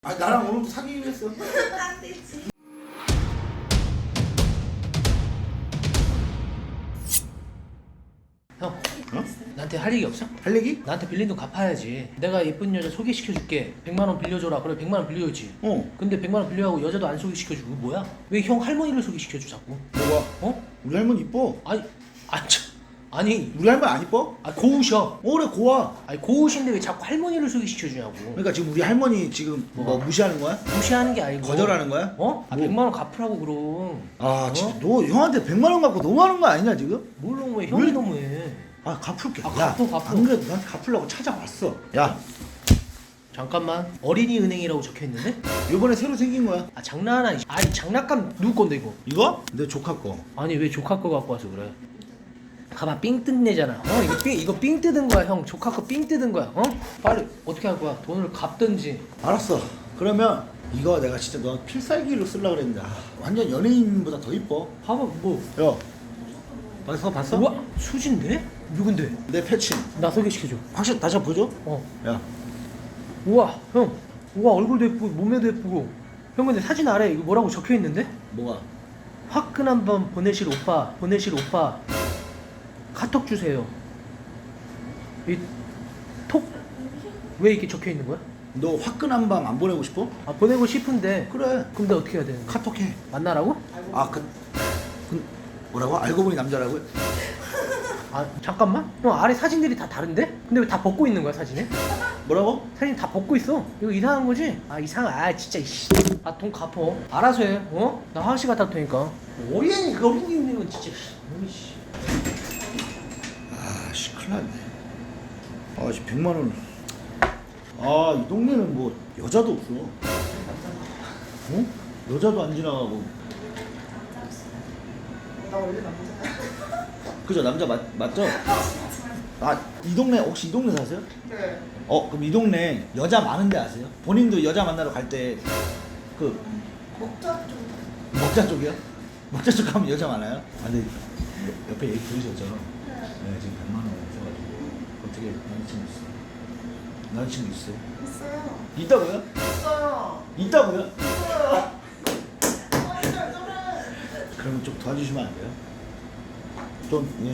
아 나랑 오늘도 사귀기로 했어. 안 되지. 형, 어? 나한테 할 얘기 없어? 할 얘기? 나한테 빌린 돈 갚아야지. 내가 예쁜 여자 소개시켜줄게. 100만 원 빌려줘라. 그래 100만 원 빌려줬지. 어. 근데 100만 원 빌려하고 여자도 안 소개시켜주고 뭐야? 왜 형 할머니를 소개시켜줘 자꾸? 뭐가? 어? 우리 할머니 이뻐. 아니 우리 할머니 안 이뻐? 고우셔. 그래 고와. 아니 고우신데 왜 자꾸 할머니를 소개시켜주냐고. 그러니까 지금 우리 할머니 지금 뭐 무시하는 거야? 무시하는 게 아니고 거절하는 거야? 어? 아 뭐? 100만 원 갚으라고 그럼. 아 어? 진짜 너 형한테 100만 원 갖고 너무하는 거 아니냐 지금? 뭘 너무해? 형이 왜? 너무해. 아 갚을게. 아, 야, 갚어. 안 그래도 난 갚으려고 찾아왔어. 야 잠깐만. 어린이은행이라고 적혀있는데? 이번에 새로 생긴 거야. 아 장난하나. 아니 장난감 누구 건데 이거? 이거? 내 조카 거. 아니 왜 조카 거 갖고 와서 그래? 가만 삥 뜯네잖아. 이거 삥 뜯은 거야 형. 조카 거 삥 뜯은 거야. 어? 빨리 어떻게 할 거야? 돈을 갚든지. 알았어. 그러면 이거 내가 진짜 너 필살기로 쓰려고 그랬는데 완전 연예인보다 더 이뻐. 봐봐 뭐. 야 봤어? 우와 수진데? 누군데? 내 패친. 나 소개시켜줘. 확실히 다시 한번 보여줘? 어. 야 우와 형. 우와 얼굴도 예쁘고 몸매도 예쁘고. 형 근데 사진 아래 이거 뭐라고 적혀 있는데? 뭐가? 화끈한 밤 보내실 오빠. 카톡 주세요. 이 톡 왜 이렇게 적혀 있는 거야? 너 화끈한 밤 안 보내고 싶어? 아 보내고 싶은데. 그래. 그럼 내가 어떻게 해야 되는 거야? 카톡해. 만나라고? 뭐라고? 알고 보니 남자라고요? 아 잠깐만. 형 아래 사진들이 다 다른데? 근데 왜 다 벗고 있는 거야 사진에? 뭐라고? 사진 다 벗고 있어. 이거 이상한 거지? 아 이상하. 아 진짜 이씨. 아 돈 갚어. 알아서 해. 어? 나 화장실 갔다 올 테니까. 어린이 있는 건 진짜. 씨. 아씨 큰일 났네. 아씨 100만 원. 아 이 동네는 뭐 여자도 없어. 어? 여자도 안 지나가고. 나 원래 남자야. 그죠 남자 맞죠? 아 이 동네 혹시 이 동네 사세요? 네. 그럼 이 동네 여자 많은데 아세요? 본인도 여자 만나러 갈 때 그 목적 좀. 먹자 쪽이요? 먹자 쪽 가면 여자 많아요? 아 근데 옆에 얘기 들으셨죠? 네 지금 100만 원 있어가지고 어떻게 남자친구 있어? 남자친구 있어요? 있어요. 있다고요? 있어요. 있다고요? 있어요. 그러면 좀 도와주시면 안 돼요? 좀 예.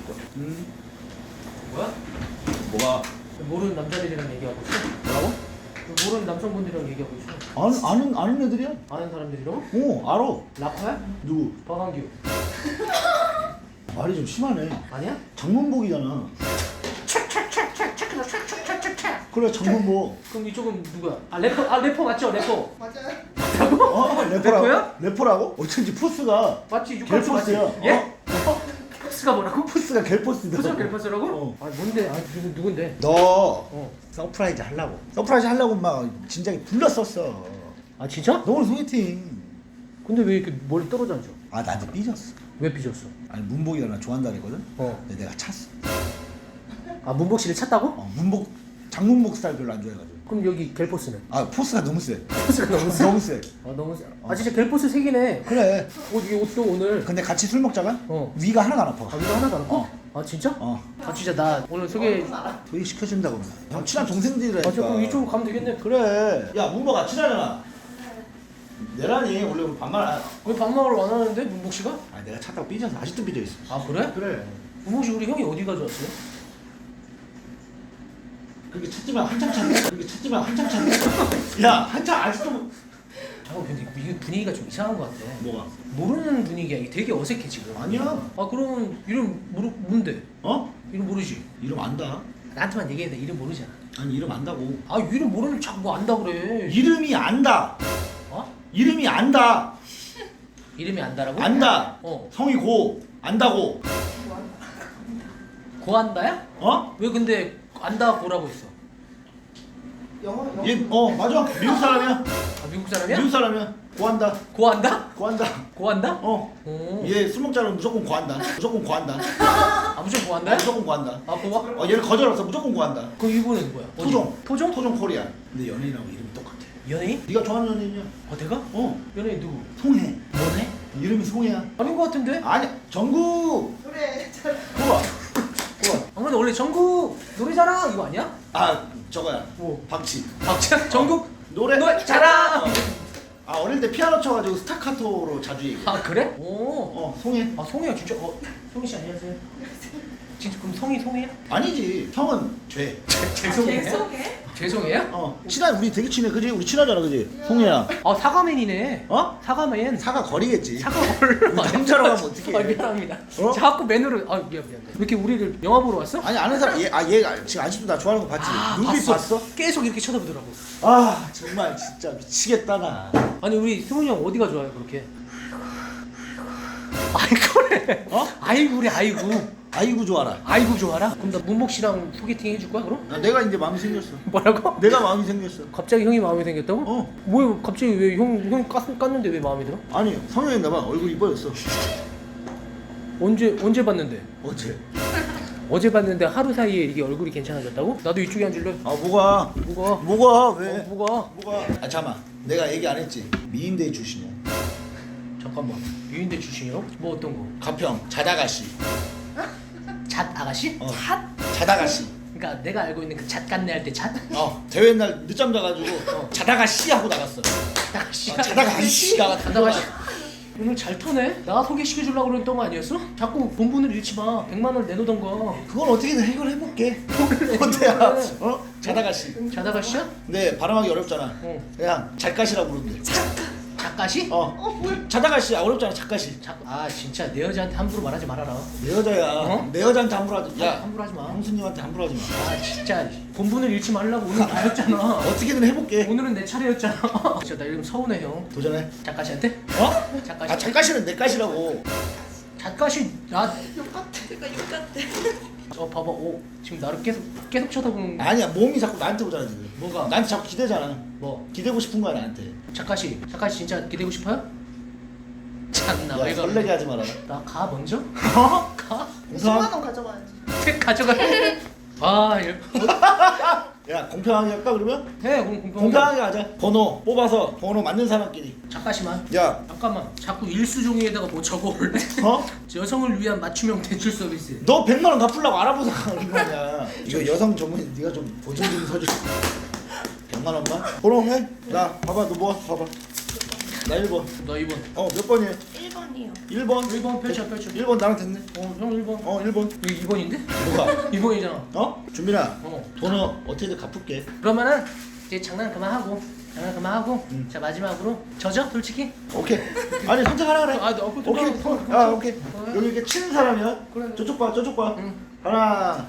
뭐야? 뭐가? 모르는 남자들이랑 얘기하고 있어? 뭐라고? 모르는 남성분들이랑 얘기하고 있어. 아는 애들이야? 아는 사람들이라고? 알아. 라파야? 누구? 박한규. 말이 좀 심하네. 아니야? 장문복이잖아. 그래 장문복. 그럼 이쪽은 누구야? 아 래퍼 맞죠? 래퍼. 맞아요. 래퍼라고? 래퍼라고? 어쩐지 포스가 맞지? 육각수 맞지? 갤포스야. 예? 포스가 뭐라고? 포스가 갤포스다. 포스가 갤포스라고? 어. 아 뭔데? 아 누군데? 너 어. 서프라이즈 하려고 막 진작에 불렀었어. 아 진짜? 너 오늘 소개팅. 근데 왜 이렇게 멀리 떨어져 앉아? 아 나한테 삐졌어. 왜 삐졌어? 아니 문복이가 나 좋아한다 그랬거든. 어. 근데 내가 찼어. 아 문복 씨를 찾다고? 문복 장문복 스타일 별로 안 좋아해가지고. 그럼 여기 갤포스는? 아 포스가 너무 세. 포스가 너무 세? 너무 세. 아 너무 세. 아 진짜 갤포스 색이네. 그래. 이 옷도 오늘. 근데 같이 술 먹자가 어. 위가 하나도 안 아파. 아 이거 하나도 안 할까? 어. 아 진짜? 어. 아 진짜 나 오늘 소개. 소개 시켜준다고. 형 친한 동생들이라니까. 아 저 그럼 이쪽으로 가면 되겠네. 그래. 야 문복아 친하잖아. 내란이 원래 오늘 반말. 왜 반말을 안 하는데 문복 씨가? 아 내가 찾다가 삐져서 아직도 삐져 있어. 아 그래? 그래. 문복 씨 우리 형이 어디 가져왔어요? 그렇게 찾지만 한참 찾네. 야 한참 아직도. 잠깐 근데 이게 분위기가 좀 이상한 것 같아. 뭐가? 모르는 분위기야. 이게 되게 어색해 지금. 아니야. 아 그럼 이름 뭔데? 어? 이름 모르지? 이름 안다. 나한테만 얘기해. 나 이름 모르잖아. 아니 이름 안다고. 아 이름 모르면 자꾸 뭐 안다 그래. 이름이 안다. 어? 이름이 안다. 이름이 안다라고? 안다. 어. 성이 고 안다고. 고안다야? 어? 왜 근데 안다 고라고 했어? 영어. 얘 맞아. 미국 사람이야. 아 미국 사람이야? 미국 사람이야. 고한다. 고안다? 고한다. 고안다? 어. 오. 얘 술 먹자면 무조건 고한다. 무조건 고한다. 아 무조건 고안다야? 무조건 고한다. 아 고아? 얘는 거절 없어. 무조건 고한다. 그럼 이분은 뭐야? 어디? 토종. 토종? 토종 코리아. 근데 연예인하고 이름이 똑같아. 연예인? 네가 좋아하는 연예인이야. 어 내가? 어. 연예인 누구? 송혜. 뭐네? 이름이 송혜야. 아닌 것 같은데? 아니 정국. 그래. 잘. 좋아. 아 근데 원래 전국 노래자랑 이거 아니야? 아 저거야. 뭐? 박치. 박지현? 전국? 노래 잘하. 아 어릴 때 피아노 쳐가지고 스타카토로 자주 얘기해. 아 그래? 오. 송해. 아 송이야 진짜. 송이 씨 안녕하세요. 진짜 그럼 성이 송이야? 아니지 성은 죄. 죄송해요? 죄송해요? 친한 우리 되게 친해 그지? 우리 친하잖아 그지? 송해야. 아 사과맨이네. 어? 사과맨. 사과 거리겠지. 사과걸. 남자로 가면 어떡해. 아 미안합니다. 어? 자꾸 맨으로. 아 미안. 왜 이렇게 우리를 영화 보러 왔어? 아니 아는 사람 얘가 지금 아직도 나 좋아하는 거 봤지? 눈빛 봤어? 계속 이렇게 쳐다보더라고. 아 정말 진짜 미치겠다 나. 아니 우리 승훈이 형 어디가 좋아요 그렇게? 아이고래. 어? 아이고래 아이고. 아이고 좋아라. 아이고 좋아라. 그럼 나 문복 씨랑 소개팅 해줄 거야 그럼? 나 내가 이제 마음이 생겼어. 뭐라고? 내가 마음이 생겼어. 갑자기 형이 마음에 생겼다고? 어. 뭐야 갑자기 왜 형 깠는데 왜 마음에 들어? 아니 성형했나 봐. 얼굴 이뻐졌어. 언제 봤는데? 어째? 어제 봤는데 하루 사이에 이게 얼굴이 괜찮아졌다고? 나도 이쪽에 앉을래? 아 뭐가? 뭐가? 왜? 뭐가? 아 잠깐만. 내가 얘기 안 했지. 미인대 출신이야. 잠깐만 유인대 출신이요? 뭐 어떤 거? 가평 자다가씨. 잣 아가씨? 자다가씨. 그러니까 내가 알고 있는 그 잣간내 할 때 잣? 대회 날 늦잠 자가지고 자다가씨 하고 나갔어. 자다가씨 자다가씨가 자다가씨 오늘 잘 터네? 나 소개시켜주려고 그랬던 거 아니었어? 자꾸 본분을 잃지 마 100만 원 내놓던가 그건 어떻게든 해결해볼게. 어때야? 자다가씨. 자다가씨야? 근데 발음하기 어렵잖아. 그냥 잘가시라고 부르면 돼. 작가씨? 자다가씨 어렵잖아. 작가씨. 아 진짜 내 여자한테 함부로 말하지 말아라 내 여자야. 내 여자한테 함부로 하지. 야 함부로 하지 마 형수님한테 함부로 하지 마. 아 진짜 본분을 잃지 말라고 오늘 나였잖아 어떻게든 해볼게. 오늘은 내 차례였잖아 진짜 나 이름 서운해 형 도전해. 작가씨한테? 작가씨 아 작가씨는 내 가시라고. 작가씨 나 내가 욕 같아. 봐봐 오 지금 나를 계속 쳐다보는 아니야 몸이 자꾸 나한테 오잖아 지금. 뭐가? 나한테 자꾸 기대잖아. 뭐 기대고 싶은 거야 나한테. 작가씨 진짜 기대고 싶어요? 참나 야 왜 설레게 그러네 하지 마라. 나 가 먼저? 가? 10만 원 가져가야지. 가져가 아 야 공평하게 할까 그러면? 해 공평하게 공평하게 하자. 번호 뽑아서 번호 맞는 사람끼리. 작가씨만 야 잠깐만 자꾸 일수종이에다가 뭐 적어올래? 여성을 위한 맞춤형 대출 서비스 너 100만 원 갚으려고 알아보자 그런 거 아니야. 이거 여성 전문 네가 좀 보증 좀 서줘. 100만 원만? 번호 해? 나 봐봐 너 뭐? 봐봐. 나 1번. 너 2번 몇 번이야? 1번이요. 1번. 1번 펼쳐 1번 나랑 됐네. 형 1번 1번. 이거 2번인데? 뭐가? 2번이잖아 준민아. 어. 번호 어떻게든 갚을게. 그러면은 이제 장난 그만하고 자 마지막으로 저죠 솔직히? 오케이. 아니 선택하라 그래. 오케이. 오케이. 여기 이렇게 치는 사람이야. 그래. 저쪽 봐. 저쪽 봐. 응. 하나.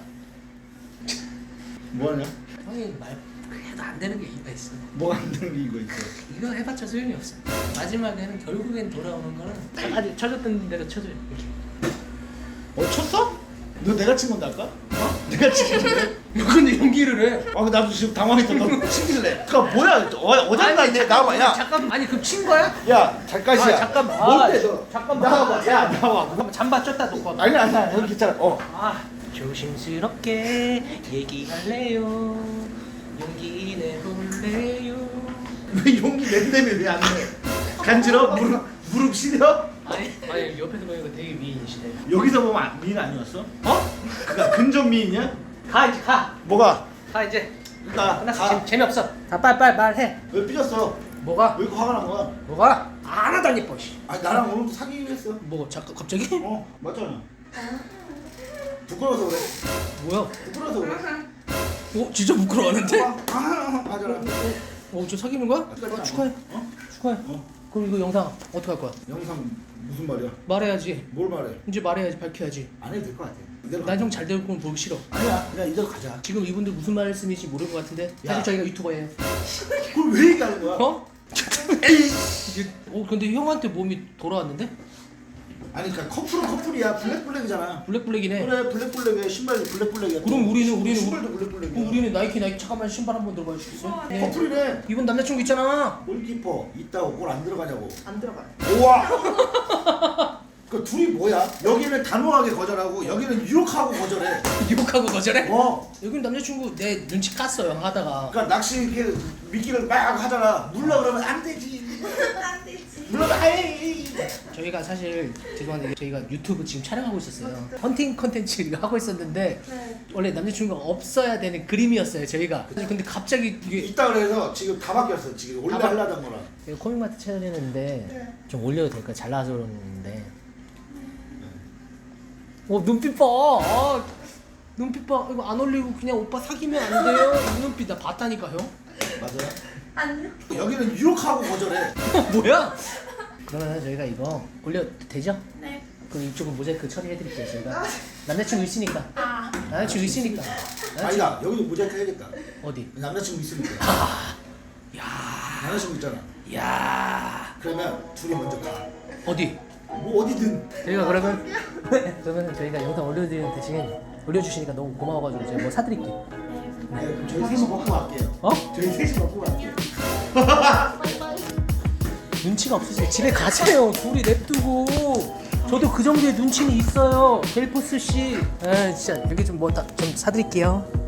뭐 하냐? 형이 말 그래도 안 되는 게 이유가 있어 뭐가 안 되는 게 이거 있어. 이거 해봤자 소용이 없어 마지막에는 결국엔 돌아오는 거는 아직 쳐줬던 대로 쳐줘요 이렇게 쳤어? 너 내가 친 건데 아까? 내가 친 건데? 근데 연기를 해 아 나도 지금 당황했다. 너 치길래. 그니까 뭐야? 어장나 이제 나와봐. 야. 잠깐만 아니 그럼 친 거야? 야 잘가시야. 잠깐만 뭔데 너? 잠깐만 나와봐. 야 나와. 잠깐만 잠바 쪘다 놓고 와봐 아니야. 여기 괜찮아. 아 조심스럽게 얘기할래요 용기 내볼래요 왜 용기 낸다며 왜안 내? 간지러? 무릎 시려? 아니 옆에서 보니까 되게 미인이시네 여기서 보면 미인 아니었어? 그니까 근접 미인이야? 가 이제 가 뭐가? 이제 나 끝났어 재미없어 다 빨리 말해 왜 삐졌어? 뭐가? 왜 이렇게 화가 난 거야? 뭐가? 하나도 안 예뻐 씨. 아 나랑 오늘도 사귀기로 했어. 뭐 잠깐 갑자기? 맞잖아. 부끄러워서 그래. 뭐야? 부끄러워서 그래. 진짜 부끄러워하는데? 맞아라. 저 사귀는 거야? 축하해 축하해 그럼 이거 영상 어떻게 할 거야? 영상 무슨 말이야? 말해야지 뭘 말해? 이제 말해야지 밝혀야지 안 해도 될 것 같아. 이대로 난 형 잘 되고 건 보기 싫어 아니야 그냥 이대로 가자. 지금 이분들 무슨 말씀인지 모를 것 같은데 야. 사실 저희가 유튜버예요 그걸 왜 얘기하는 거야? 근데 형한테 몸이 돌아왔는데? 아니 그러니까 커플이야. 블랙이잖아. 블랙이네 그래 블랙에 신발이 블랙이야. 그럼 우리는 신발도 블랙이야. 그럼 우리는 나이키 잠깐만 신발 한번 들어봐 주시겠어요? 커플이네. 이분 남자친구 있잖아 골키퍼 있다고 골 안 들어가냐고. 안 들어가요. 우와. 그 둘이 뭐야? 여기는 단호하게 거절하고 여기는 유혹하고 거절해. 유혹하고 거절해? 여기는 남자친구 내 눈치 깠어요 하다가 그러니까 낚시 이렇게 미끼를 막 하잖아. 물러 그러면 안 되지. 안 되지. 물러 아이. 저희가 사실 죄송한데 저희가 유튜브 지금 촬영하고 있었어요 헌팅 컨텐츠 하고 있었는데 네. 원래 남자친구가 없어야 되는 그림이었어요 저희가. 근데 갑자기 이게 있다 그래서 지금 다 바뀌었어. 지금 원래 다 하려던 거랑. 이거 코믹마트 채널이는데 네. 좀 올려도 될까? 잘 나와서 그러는데. 눈빛 봐. 아, 눈빛 봐. 이거 안 올리고 그냥 오빠 사귀면 안 돼요? 이 눈빛 나 봤다니까 형. 맞아요? 아니요. 여기는 유혹하고 거절해. 뭐야? 그러면 저희가 이거 올려도 되죠? 네. 그럼 이쪽은 모자이크 처리해드릴게요 저희가. 남자친구 있으니까. 아. 남자친구 있으니까. 아니다. 여기도 모자이크 해야겠다. 어디? 남자친구 있으니까. 야, 남자친구 있잖아. 야. 그러면 둘이 먼저 가. 어디? 뭐 어디든. 저희가 그러면 저희가 영상 올려드리는 대신 올려주시니까 너무 고마워가지고 제가 뭐 사드릴게요. 네, 그럼 저희 셋이 먹고 갈게요. 어? 저희 셋이 먹고 갈게요. 눈치가 없으세요. 집에 가세요. 둘이 냅두고. 저도 그 정도의 눈치는 있어요. 델포스 씨. 진짜 여기 좀 뭐 좀 사드릴게요.